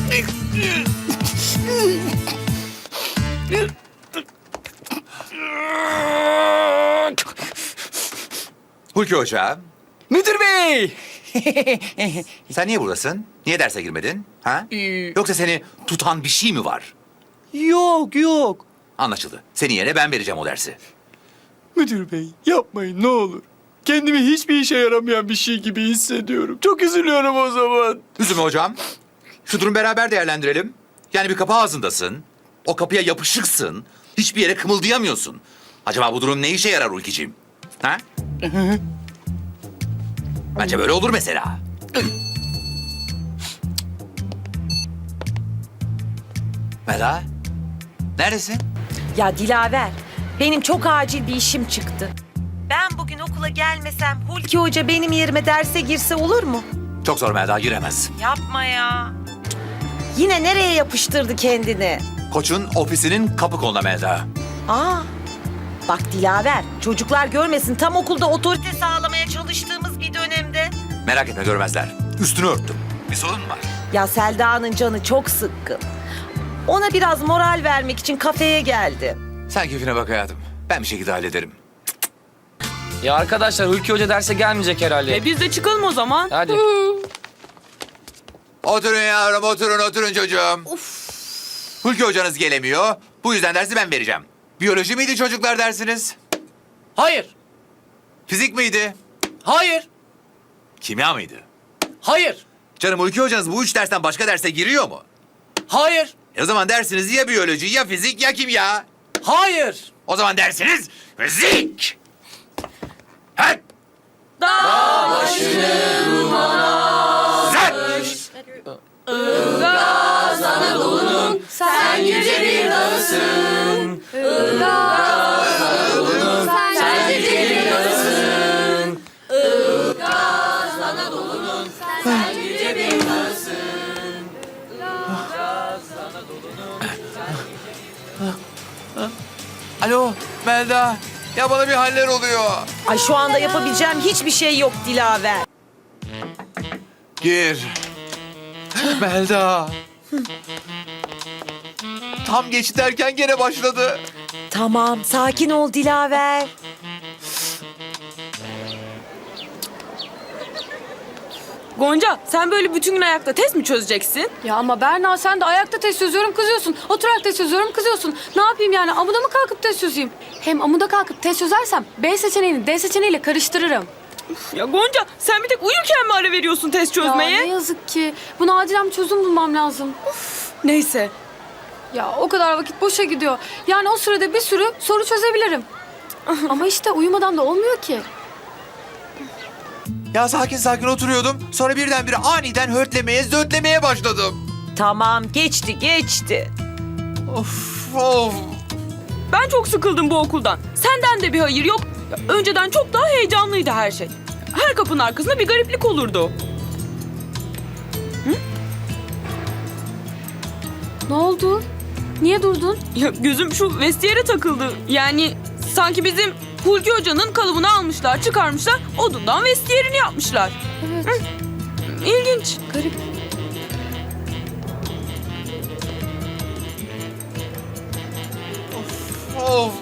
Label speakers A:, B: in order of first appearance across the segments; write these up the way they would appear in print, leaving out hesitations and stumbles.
A: Hulki Hoca,
B: Müdür bey!
A: sen niye buradasın? Niye derse girmedin? Ha? Yoksa seni tutan bir şey mi var?
B: Yok yok.
A: Anlaşıldı. Senin yerine ben vereceğim o dersi.
B: Müdür bey yapmayın ne olur. Kendimi hiçbir işe yaramayan bir şey gibi hissediyorum. Çok üzülüyorum o zaman.
A: Üzülme hocam. Şu durum beraber değerlendirelim. Yani bir kapı ağzındasın. O kapıya yapışıksın. Hiçbir yere kımıldayamıyorsun. Acaba bu durum ne işe yarar Hulki'ciğim? Ha? Bence böyle olur mesela. Mela, neredesin?
C: Ya Dilaver, benim çok acil bir işim çıktı. Ben bugün okula gelmesem Hulki Hoca benim yerime derse girse olur mu?
A: Çok zor Melda, giremez.
C: Yapma ya. Yine nereye yapıştırdı kendini?
A: Koç'un ofisinin kapı koluna Melda.
C: Aa, bak Dilaver, çocuklar görmesin tam okulda otorite sağlamaya çalıştığımız bir dönemde.
A: Merak etme, görmezler. Üstünü örttüm. Bir sorun mu var?
C: Ya Selda'nın canı çok sıkkın. Ona biraz moral vermek için kafeye geldi.
A: Sen keyfine bak hayatım. Ben bir şekilde hallederim.
D: Ya arkadaşlar Hulki Hoca derse gelmeyecek herhalde.
E: Biz de çıkalım o zaman.
D: Hadi.
A: Oturun yavrum, oturun çocuğum. Hulki hocanız gelemiyor. Bu yüzden dersi ben vereceğim. Biyoloji miydi çocuklar dersiniz?
D: Hayır.
A: Fizik miydi?
D: Hayır.
A: Kimya mıydı?
D: Hayır.
A: Canım, Hulki hocanız bu üç dersten başka derse giriyor mu?
D: Hayır.
A: O zaman dersiniz ya biyoloji, ya fizik, ya kimya.
D: Hayır.
A: O zaman dersiniz fizik. Hadi. Dağ başını dumana sermiş. Ilgaz Anadolu'nun sen yüce bir dağısın. Ilgaz Anadolu'nun sen yüce bir dağısın. Ilgaz Anadolu'nun sen yüce bir dağısın. Ilgaz Anadolu'nun Alo Melda. Ya bana bir haller oluyor.
C: Ay şu anda yapabileceğim hiçbir şey yok Dilaver.
A: Gir. Melda. Tam geç derken gene başladı.
C: Tamam, sakin ol Dilaver.
E: Gonca sen böyle bütün gün ayakta test mi çözeceksin?
F: Ya ama Berna sen de ayakta test çözüyorum kızıyorsun. Oturarak test çözüyorum kızıyorsun. Ne yapayım yani amuda mı kalkıp test çözeyim? Hem amuda kalkıp test çözersem B seçeneğini D seçeneğiyle karıştırırım.
E: Ya Gonca sen bir tek uyurken mi ara veriyorsun test
F: Ya
E: çözmeye?
F: ne yazık ki. Buna acilen bir çözüm bulmam lazım.
E: Neyse.
F: Ya o kadar vakit boşa gidiyor. Yani o sürede bir sürü soru çözebilirim. Ama işte uyumadan da olmuyor ki.
A: Ya sakin oturuyordum. Sonra birdenbire aniden hörtlemeye, zötlemeye başladım.
C: Tamam, geçti.
A: Of.
E: Ben çok sıkıldım bu okuldan. Senden de bir hayır yok. Ya, önceden çok daha heyecanlıydı her şey. Her kapının arkasında bir gariplik olurdu.
F: Ne oldu? Niye durdun?
E: Ya, gözüm şu vestiyere takıldı. Yani sanki bizim Hulki Hoca'nın kalıbını almışlar, çıkarmışlar, odundan vestiyerini yapmışlar.
F: Evet.
E: İlginç.
F: Garip.
A: Of.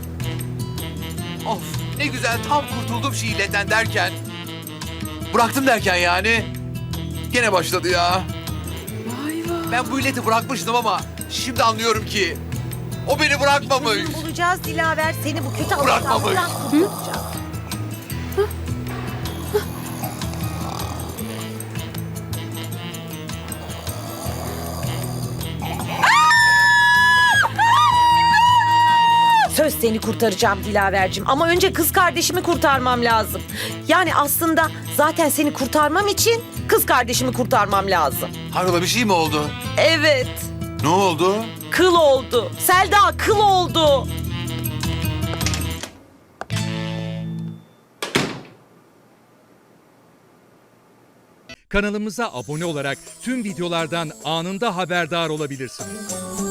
A: Of. Ne güzel tam kurtuldum şu illetten derken. Bıraktım derken yani. Gene başladı ya.
F: Vay vay.
A: Ben bu illeti bırakmıştım ama şimdi anlıyorum ki o beni bırakmamış.
C: Çözüm bulacağız Dilaver. Seni bu kötü
A: Bırakmamış.
C: alışkanlıktan kurtaracağız. Söz seni kurtaracağım Dilaver'cim. Ama önce kız kardeşimi kurtarmam lazım. Yani aslında zaten seni kurtarmam için kız kardeşimi kurtarmam lazım.
A: Hayrola, bir şey mi oldu?
C: Evet.
A: Ne oldu?
C: Kıl oldu. Selda kıl oldu.
G: Kanalımıza abone olarak tüm videolardan anında haberdar olabilirsiniz.